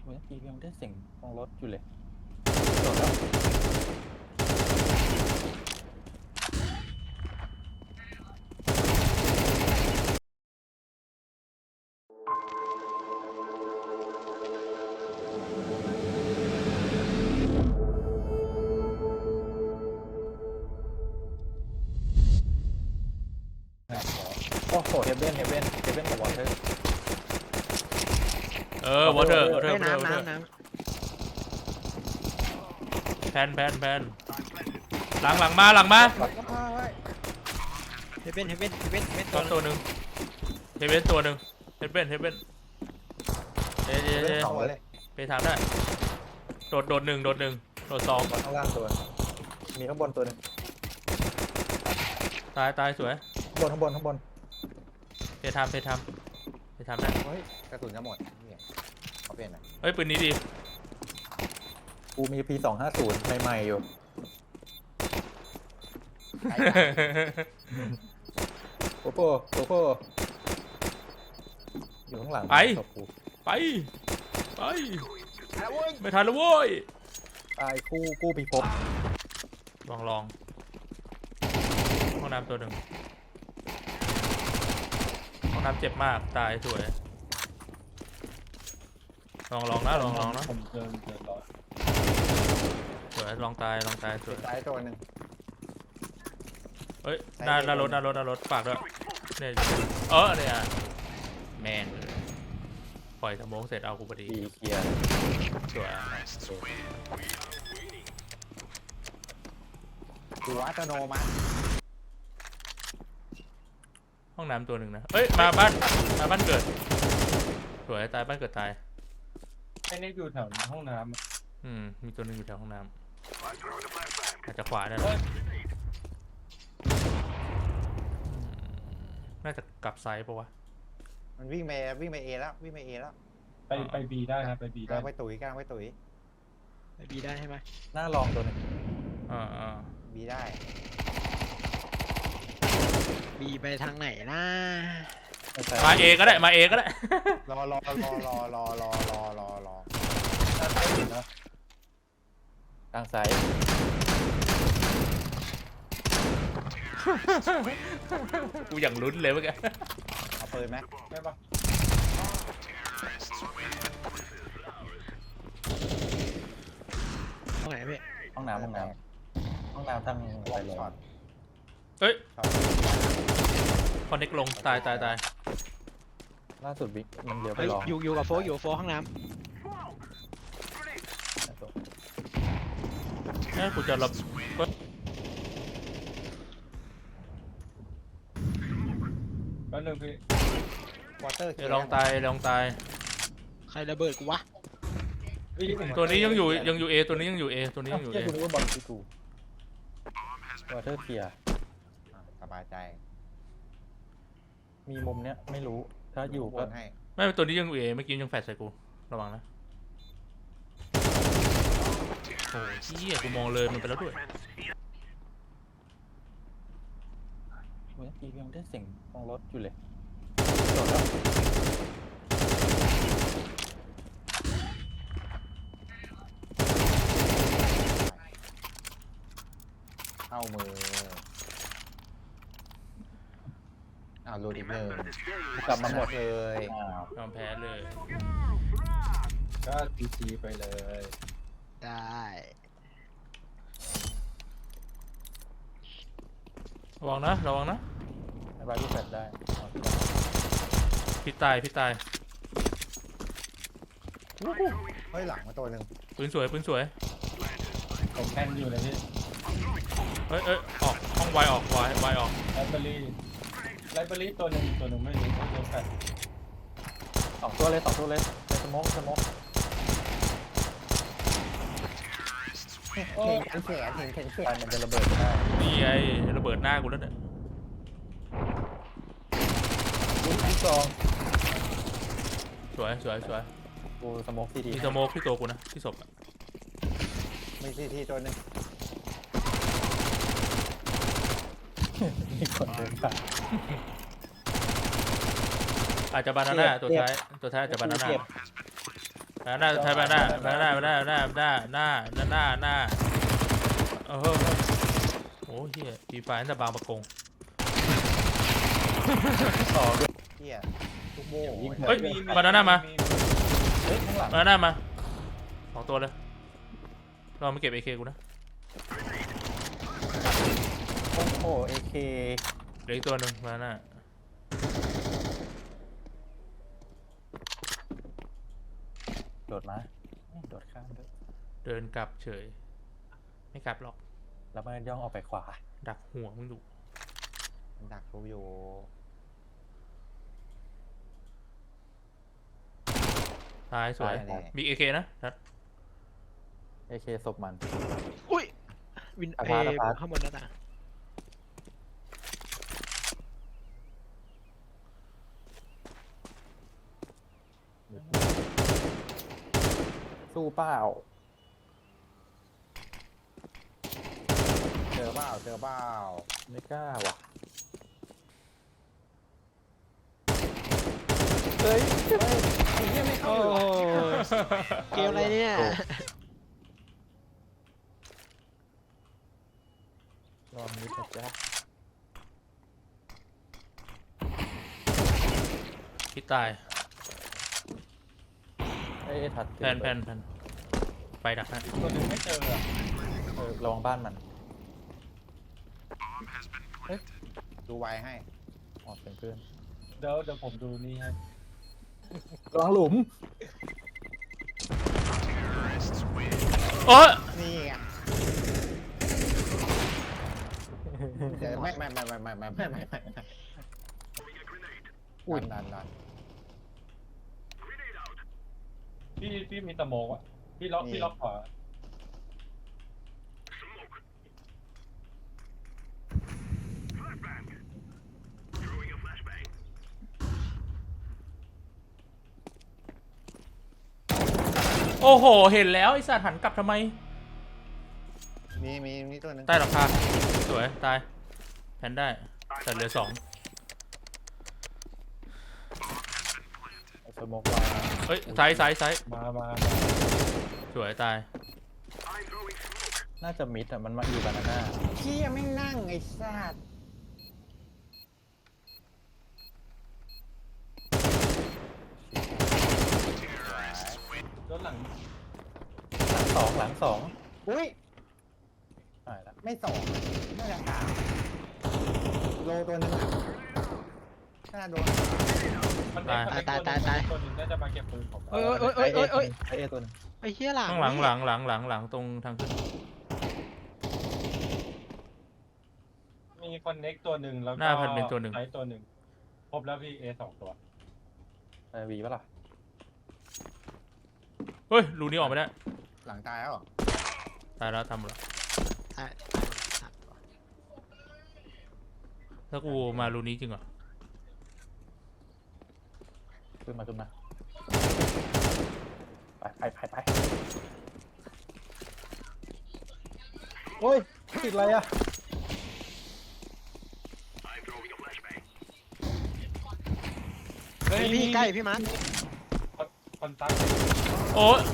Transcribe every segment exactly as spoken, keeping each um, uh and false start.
เมื่อกี้ยังได้เสียงของรถอยู่เลยจบแล้วโอ้โหเฮเบนเฮเบนเฮเบนกับวอเตอร์เออวอเตอร์วอเตอร์เฮ้ยวอเตอร์น้ำวอเตอร์น้ำน้แพนแพนแพนหลังหลังมาหลังมาำเฮเบนเฮเบนเฮเบนเฮเบนตัวตัวหนึ่งเฮเบนตัวหนึ่งเฮเบนเฮเบนเจเจเจไปทำได้โดดโดดหนึ่งโดดหนึ่งโดดสองข้างล่างตัวมีข้างบนตัวหนึงตายตายสวยข้างบนข้างบนข้างบนไปทำไปทำไปทำได้เฮ้ยกระสุนจะหมดเนี่ยเขาเปลี่ยนอ่ะเฮ้ยปืนนี้ดีกูมี พี สองห้าศูนย์ใหม่ๆอยู่โอ้โหโอ้โหอยู่ข้างหลังไปศพกูไปไปไม่ทันแล้วโว้ยตายกู้กู้พิภพลองลองห้องน้ำตัวหนึ่งห้องน้ำเจ็บมากตายสวยลองลองนะลองลองนะผมเดินเดินรอสวยลองตายลองตายสวยซ้ายตัวหนึ่งเฮ้ยหน้าหน้ารถหน้ารถหน้ารถฝากด้วยเนี่ยเออเนี่ยแมนปล่อยสมองเสร็จเอากูพอดีตีเคลียร์สวยดูอัตโนมัติห้องน้ำตัวหนึ่งนะเอ้ยมาบ้านมาบ้านเกิดสวยตายบ้านเกิดตายไอ้นี่อยู่แถวห้องน้ำอะอืมมีตัวหนึ่งอยู่แถวห้องน้ำอาจจะขวาได้หรอน่าจะกลับไซด์ปะวะมันวิ่งไปวิ่งไปเอแล้ววิ่งไปเอแล้วไปไปบีได้ครับไปบีกำได้ลังไปตุ๋ยกำลังไปตุ๋ยไปบีได้ใช่ไหมหน้าลองตัวหนึงอ่าอ่าบีได้บีไปทางไหนนะไม่ใช่มาเอก็ได้มาเอก็ได้รอรอรอรอรอรอรอรอรอทางซ้ายกูอย่างลุ้นเลยเมื่อกี้เอาปืนไหมได้ปะตรงไหนพี่ห้องน้ำห้องน้ำห้องน้ำทางไปเลยช็อตเฮ้ยช็อตคอนเน็กลงตายตายตายล่าสุดบิ๊กมันเลี้ยวไปเฮ้ยลองอยู่อยู่กับโฟกอยู่กับโฟกห้องน้นี่กูจะรับแป๊บนึงพี่วอเตอร์เดี๋ยวลองตายลองตายำใครระเบิดกูวะพี่ผมตัวนี้ยังอยู่ยังอยู่เอตัวนี้ยังอยู่เอตัวนี้ยังอยู่เอ้าเอเหี้ยกูนึกว่าบอลที่กูวอเตอร์เคลียร์สบายใจมีมุมเนี้ยไม่รู้ถ้าอยู่บก็นให้ไม่ตัวนี้ยังอยู่เอเมื่อกี้ยังแฟดใส่กูระวังนะโอ้ยเหี้ยกูมองเลยมันไปแล้วด้วยเมื่อกี้ยังได้เสียงของรถอยู่เลยจบแล้วเข้ามืออ้าวรูดอีกหนึ่งกลับมาหมดเลยอ้าวยอมแพ้เลยก็พีจีไปเลยได้ระวังนะระวังนะในบ้านที่แฟลชได้เอาพี่ตายพี่ตายเฮ้ยหลังมาตัวหนึ่งปืนสวยปืนสวยผมแคนอยู่เลยพี่เอ้ยเอ้ยออกห้องไวออกไวไวออกไลบรารีไลบรารีตัวหนึ่งตัวหนึ่งไม่รู้ไม่รู้แฟนสองตัวเลยสองตัวเลยในสโมกสโมกเห็นแขนเห็นแขนเห็นแขไฟนมันจะระเบิดได้นี่ไงระเบิดหน้ากูแล้วเนี่ยลูกที่สองสวยสวยสวยกูสโมกทีดีมีสโมกที่ตัวกูนะที่ศพอะมีซีทีตัวหนึ่งมีคนเดินผ่านอาจจะบานาน่าตัวท้ายตัวท้ายอาจจะบานาน่าเจ็บหน้าใช่ไหมหน้าหน้าหน้าหน้าหน้าหน้าหน้าหน้าหน้าหน้าเออโอ้เฮียปีไฟนั่นแต่บางประกงต่อด้วยเหี้ยลูกโม่เฮ้ยมาด้านหน้ามาเฮ้ยข้างหลังมาด้านหน้ามาสองตัวเลยเราไม่เก็บเอเคกูนะโอ้โหเอเคเหลืออีกตัวหนึ่งมาด้านหน้าโดดมาโดดข้ามด้วยเดินกลับเฉยไม่กลับหรอกแล้วมันย่องออกไปขวาดักหัวมึงดูดักรู้อยู่ตายสวยแน่มีเอเคนะทัดเอเคศพมันอุ้ยวินอาเอพาร์ตอาพาร์ตข้างบนหน้าต่างสู้เปล่าเจอเปล่าเจอเปล่าไม่กล้าว่ะเฮ้ยเฮ้ยไอ้เหี้ยไม่เข้าโอ้อยู่โหเกมอะไรเนี่ยลองนิดนะจ๊ะพี่ตายเอ้ยถัดแพนแพนแพนไปดักนะตัวหนึงไม่เจออะเออระวังบ้านมันดูไวให้ออกเป็นเพื่อนเดี๋ยวเดี๋ยวผมดูนี่ให้ระวังหลุมโอ้ยนี่ไงเดี๋ยวไม่ไม่ไม่ไม่ไม่ไม่ไม่ไม่ไม่อุ้ยนั่นนั่นพี่พี่มีตะโมกอะพี่ล็อกนี่พี่ล็อกขวาโอ้โหเห็นแล้วไอ้สัตว์หันกลับทำไมมีมีมีตัวหนึงใต้หลังคาสวยตายแพนได้แต่เหลือสองไอ้สโมกวางเฮ้ยซ้ายซ้ายซ้ายมามาสวยตายน่าจะมิดอ่ะมันมาอยู่บานาน่าเชี่ยไม่นั่งไอ้สัตว์รถหลังหลังสองหลังสองอุ้ยหายละไม่สองน่าจะสามโลตัวหนึงอะน่าโดนมันเล็กมันเล็กตายตายตายตัวหนึงน่าจะมาเก็บปืนผมเอ้ยเอ้ยเอ้ยเอ้ยเอ้ยไอเอตัวหนึงไอ้เหี้ยหลังข้างหลังหลังหลังหลังหลังตรงทางขึ้นมีคอนเน็กตัวหนึ่งแล้วก็หน้าพันเป็นตัวหนึ่งไซส์ตัวหนึ่งครบแล้วพี่เอสองตัวไอวีปะล่ะเฮ้ยรูนี้ออกไม่ได้หลังตายแล้วเหรอตายแล้วทำแล้วตายถ้ากูมารูนี้จริงเหรอขึ้นมาขึ้นมาไปไปไปไปโอ้ยติดอะไรอ่ะเฮ้ยพี่ใกล้พี่มาร์คคอนตัคโอ้ย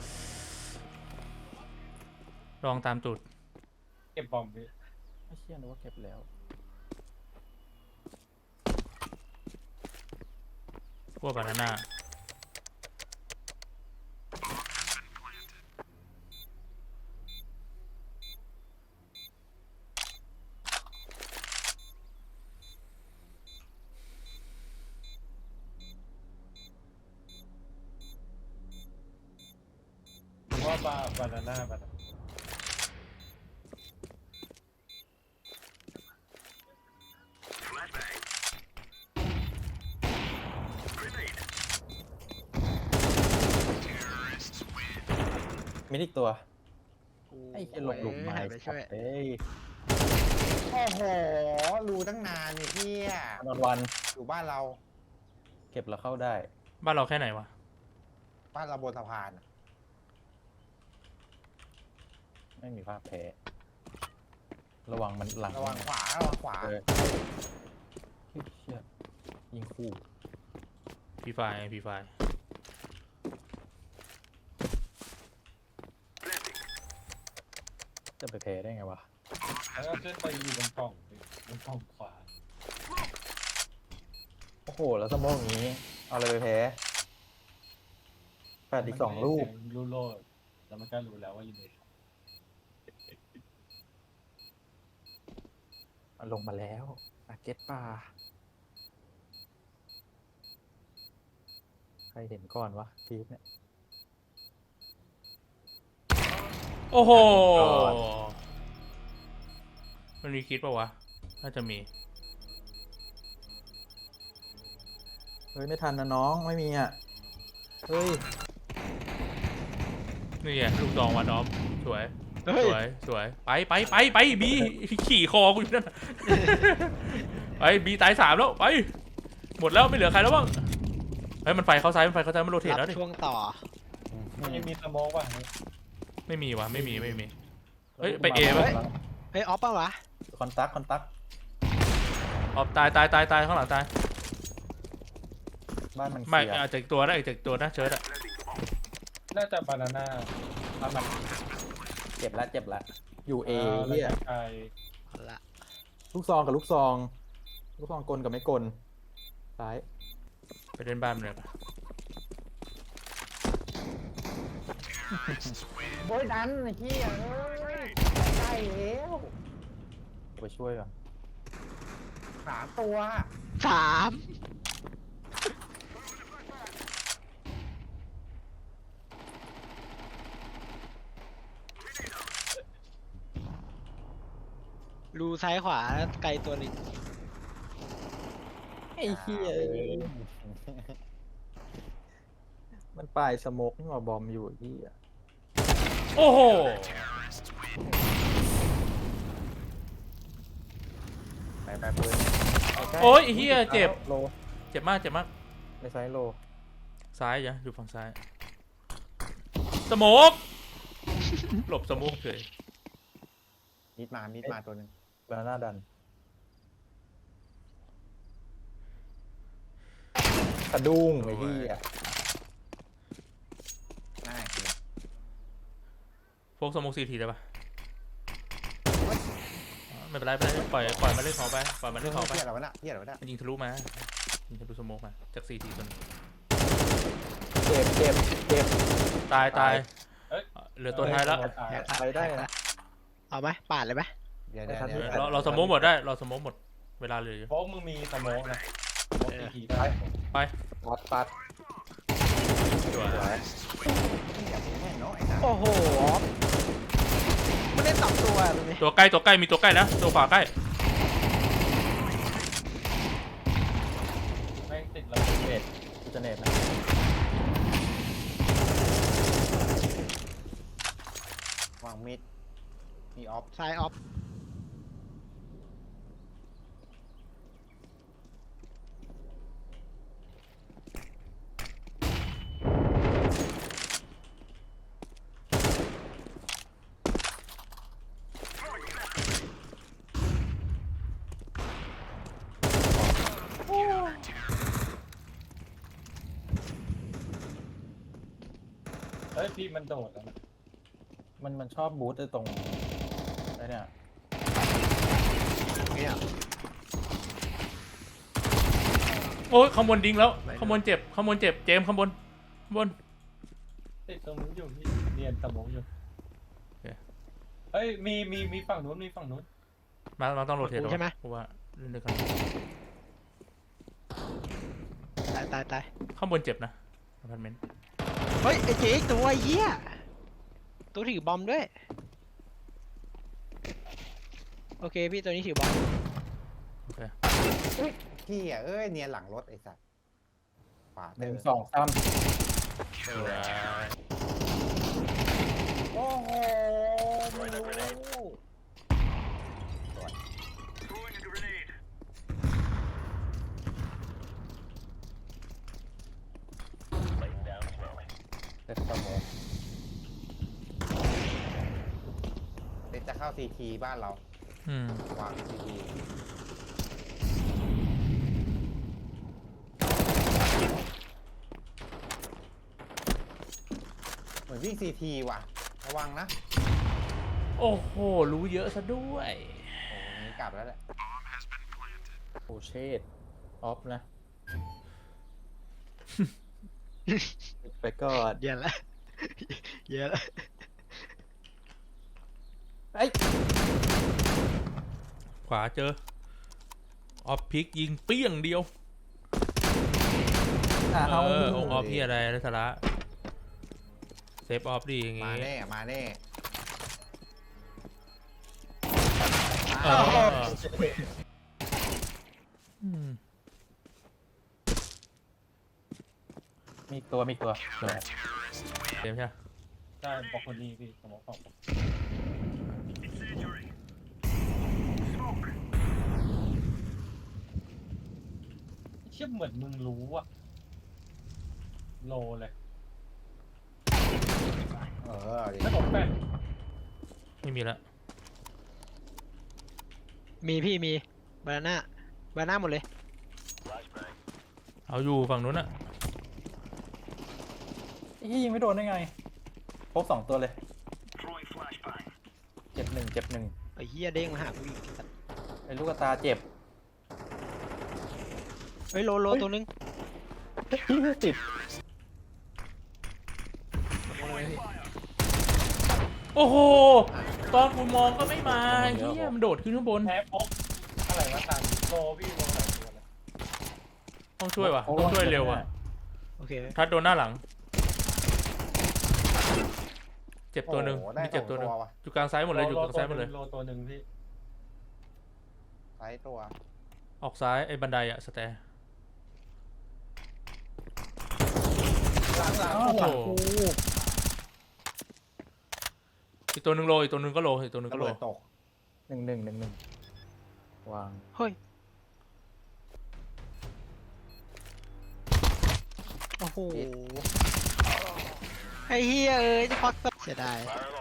ลองตามตูดเก็บบอมพี่ไม่เชื่อนะว่าเก็บแล้วพวกบานาน่าผมว่าบาบานาน่าบานามิดอีกตัวไอ้เหี้ยหลบหลุมเอ้ยไม้หายไปช่วยเอ้ยโอ้โหรู้ตั้งนานนี่เฮียวันวันอยู่บ้านเราเก็บแล้วเข้าได้บ้านเราแค่ไหนวะบ้านเราบนสะพานอะไม่มีภาพแพ้ระวังมันหลังระวังขวาระวังขวาเออเฮ้ยเชี่ยยิงคู่พีไฟพีไฟไปแพ้ได้ไงวะแล้วก็ขึ้นไปอยู่บนกล่องบนกล่องขวาโอ้โหแล้วสมองอย่างนี้ เอาอะไรไปแพ้แปดอีกสองลูกลูโลดแล้วมันก็รู้แล้วว่าอยู่ในเอาลงมาแล้วอาเก็ตปลาใครเห็นก่อนวะพีทเนี่ยโอ้โหก่อนมันมีคิดปะวะน่าจะมีเฮ้ยไม่ทันนะน้องไม่มีอ่ะเฮ้ยนี่ไงลูกซองวันออฟสวยเฮ้ยสวยสวยไปไปไปไปบีขี่คอกูอยู่นั่นน่ะ ไปบีตายสามแล้วไปหมดแล้วไม่เหลือใครแล้วบ้างเฮ้ยมันไฟเข้าซ้ายมันไฟเข้าซ้ายมันโรเทตรัแล้วบดิช่วงต่อมันยังมีสโมกว่ะไม่มีวะไม่มีไม่มี เฮ้ยไปเอไหมเฮ้ยออฟป่ะวะคอนตักคอนตักออกตายตายตายตายข้างหลังตายบ้านมันไม่เสียอาจจะอีกตัวนะอีกจากตัวนะเชิร์ดอะน่าจะบานาน่าบ้านมันเจ็บแล้วเจ็บแล้วอยู่เอแล้วเหียก็ไกลเอาละลูกซองกับลูกซองลูกซองกลกับไม่กลซ้ายไปเล่นบ้านมันเลยปะโบยดันไอ้เหี้ยเอ้ยใกล้แล้วไปช่วยก่อนสามตัวสามรูซ้ายขวาไกลตัวหนึ่งไอ้เหี้ยมันปลายสโมกนี่หว่าบอมอยู่ไอ้เหี้ยโอ้โหไปไปปืนโอ้ยไอ้เฮียเจ็บโลเจ็บมากเจ็บมากในไซส์โลซ้ายจ้ะอยู่ฝั่งซ้ายสโมกหลบสโมกเฉยมิดมามิดมาตัวหนึ่งบานาน่าดันสะดุ้งไอ้เหี้ยง่ายเลยโฟกสโมกซีทีได้ปะไม่เป็นไรไม่เป็นไรปล่อยปล่อยมันเล่นของไปปล่อยมันเรื่เล่องนของไปเหี้ยอะไรวะน่ะเหี้ยอะไรวะน่ะมันยิงทะลุมายิงทะลุสโมกมาจากซีทีตัวนึงเจ็บเจ็บเจ็บตายตายเอ้ยเหลือตัวท้ายแล้วไปได้นะเอาไหมปาดเลยไหมเดี๋ยวเดี๋ยวไม่ทันเดี๋ยวเราเราสโมกหมดได้เราสโมกหมดเวลาเหลืออยู่เพราะมึงมีสโมกนะสโมกทีทีได้ไปปัดปัดสวยสวยแม่งเนาะไอ้สัสโอ้โหออฟมันเล่นสองตัวเลยไหมตัวใกล้ตัวใกล้มีตัวใกล้นะตัวขวาใกล้แม่งติดระเบิดกูจะเน็ตนะวางมิดมีออฟซ้ายออฟเฮ้ยพี่มันโดดแล้วนะมันมันชอบบูทไอ้ตรงไอ้เนี่ยเนี่ยโอ้ยข้างบนดิ้งแล้วข้างบนเจ็บข้างบนเจ็บเจมส์ข้างบนข้างบนติดตรงนู้นอยู่พี่เนียนสโมกอยู่โอเคเฮ้ยมีมีมีฝั่งนู้นมีฝั่งนู้นมาเราต้องโรเทตใช่ไหมเพราะว่าเล่นด้วยกันตายตายตายข้างบนเจ็บนะอพาร์ตเมนต์เฮ้ยไอ้เจ๊ตัวไอ้เหี้ยตัวถือบอมด้วยโอเคพี่ตัวนี้ถือบอมโอเคพี่อ่ะเอ้ยเนียนหลังรถไอ้สัสขวาหเตอนึ่งร์สองสามสวยโอ้โหไม่รู้เซ็ตสโมกเดี๋ยวจะเข้าซีทีบ้านเราอืมวางซีทีเหมือนวิ่งซีทีว่ะระวังนะโอ้โหรู้เยอะซะด้วยโอ้ยกลับแล้วแหละโอ้เชดออฟนะ ไปก่อนเยอะละเยอะละไอ้ยขวาเจอออฟพิกยิงเปี้ยงเดียวอ่ะเอเอาอองค์ออฟพี่อะไรนะสาระเซฟออฟดีอย่างมางี้แน่มาแน่เอออืมมีอีกตัวมีอีกตัวเต็มใช่ไหมได้บอกคนนี้พี่สมองของผมเชื่อเหมือนมึงรู้อะโลเลยเออดิแล้วผมแป้งไม่มีละมีพี่มีบานาน่าบานาน่าหมดเลยเอาอยู่ฝั่งนู้นอะไอ้เหี้ยยิงไม่โดนได้ไงครบสองตัวเลยเจ็บหนึ่งเจ็บหนึ่งไอ้เหี้ยเด้งมาหากูอีกไอ้ลูกตาเจ็บเฮ้ยโลโลตัวนึงติดโอ้โหตอนกูมองก็ไม่มาเฮียมันโดดขึ้นข้างบนแพ้ป๊อกอะไรวะตามโลพี่โลหลายตัวเลยต้องช่วยวะต้องช่วยเร็วอะโอเคทัดโดนหน้าหลัง เจ็บตัวหนึ่งโอ้โได้มีเจ็บตัวหนึ่งสองว่ะอยู่กลางซ้ายหมดเลยอยู่กลางซ้ายหมดเลยโลตัวหนึ่งพี่ไซส์ตัวออกซ้ายไอ้บันไดอะสแตร์หลังหลังอ้าวหลังกูอีกตัวหนึ่งโลอีกตัวหนึ่งก็โลอีกตัวหนึ่งกระก็โลเบิดตกหนึ่งหนึ่งหนึ่งหนึ่งวางเฮ้ยโอ้โหไอ้เหี้ยเอ้ยจะพักสักเสียดาย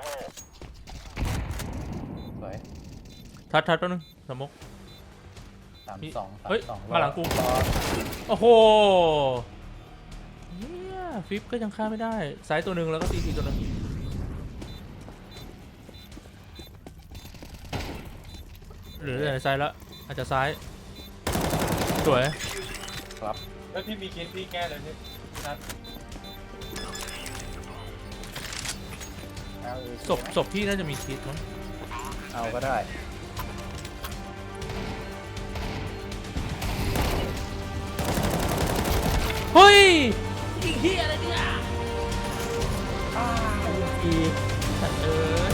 สวยทัดทัดแป๊บนึงสมกสามมีสองสามเฮ้ยสองมาหลังกูรอโอ้โหเฮียฟิปก็ยังฆ่าไม่ได้ซ้ายตัวหนึ่งแล้วก็ตีทีตัวหนึ่งหรืออะไรซ้ายแล้วอาจจะซ้ายสวยครับแล้วพี่มีคิดพี่แก้เลยพี่นัดเอาอีกศพศพพี่น่าจะมีคิดมั้งเอาก็ได้เฮ้ยยิงเฮียอะไรเนี่ยอีสัตว์เอ้ย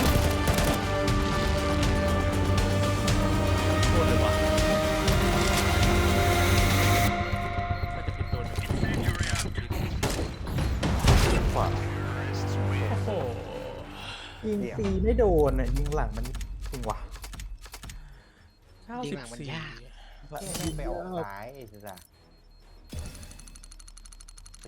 โคตรเลยวะน่าจะปิดตัวหนึ่งขวาโอ้โหยิงตีไม่โดนอ่ะยิงหลังมันจริงวะเก้าสิบสี่ไม่ไปออกซ้ายไอ้สัส